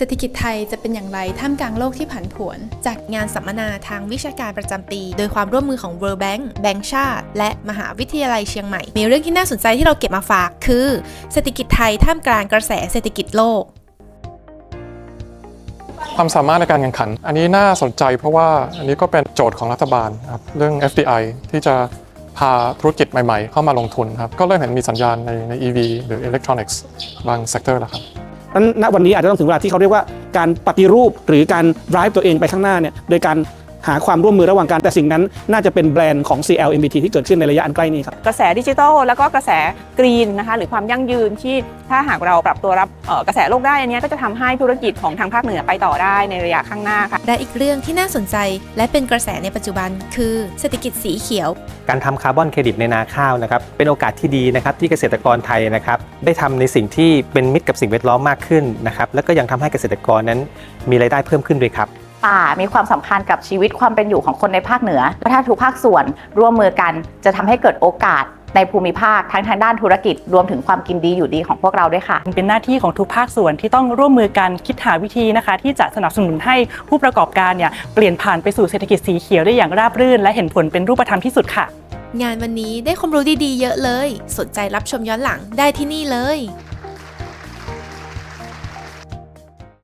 เศรษฐกิจไทยจะเป็นอย่างไรท่ามกลางโลกที่ผันผวนจัดงานสัมมนาทางวิชาการประจำปีโดยความร่วมมือของ World Bank แบงก์ชาติและมหาวิทยาลัยเชียงใหม่มีเรื่องที่น่าสนใจที่เราเก็บมาฝากคือเศรษฐกิจไทยท่ามกลางกระแสเศรษฐกิจโลกความสามารถในการแข่งขันอันนี้น่าสนใจเพราะว่าอันนี้ก็เป็นโจทย์ของรัฐบาลครับเรื่อง FDI ที่จะพาธุรกิจใหม่ๆเข้ามาลงทุนครับก็เริ่มเห็นมีสัญญาณใน EV หรือ Electronics บางเซกเตอร์แล้วครับณวันนี้อาจจะต้องถึงเวลาที่เขาเรียกว่าการปฏิรูปหรือการ drive ตัวเองไปข้างหน้าเนี่ยโดยการหาความร่วมมือระหว่างกันแต่สิ่งนั้นน่าจะเป็นแบรนด์ของ CLMBT ที่เกิดขึ้นในระยะอันใกล้นี้ครับกระแสดิจิทัลแล้วก็กระแสกรีนนะคะหรือความยั่งยืนที่ถ้าหากเราปรับตัวรับกระแสโลกได้อันนี้ก็จะทำให้ธุรกิจของทางภาคเหนือไปต่อได้ในระยะข้างหน้าค่ะและอีกเรื่องที่น่าสนใจและเป็นกระแสในปัจจุบันคือเศรษฐกิจสีเขียวการทำคาร์บอนเครดิตในนาข้าวนะครับเป็นโอกาสที่ดีนะครับที่เกษตรกรไทยนะครับได้ทำในสิ่งที่เป็นมิตรกับสิ่งแวดล้อมมากขึ้นนะครับแล้วก็ยังทำให้เกษตรกรนั้นมีรายได้เพิ่มขึ้นด้วยครับป่ามีความสำคัญกับชีวิตความเป็นอยู่ของคนในภาคเหนือถ้าทุกภาคส่วนร่วมมือกันจะทำให้เกิดโอกาสในภูมิภาคทั้งทางด้านธุรกิจรวมถึงความกินดีอยู่ดีของพวกเราด้วยค่ะเป็นหน้าที่ของทุกภาคส่วนที่ต้องร่วมมือกันคิดหาวิธีนะคะที่จะสนับสนุนให้ผู้ประกอบการเนี่ยเปลี่ยนผ่านไปสู่เศรษฐกิจสีเขียวได้อย่างราบรื่นและเห็นผลเป็นรูปธรรมที่สุดค่ะงานวันนี้ได้ความรู้ดีๆเยอะเลยสนใจรับชมย้อนหลังได้ที่นี่เลย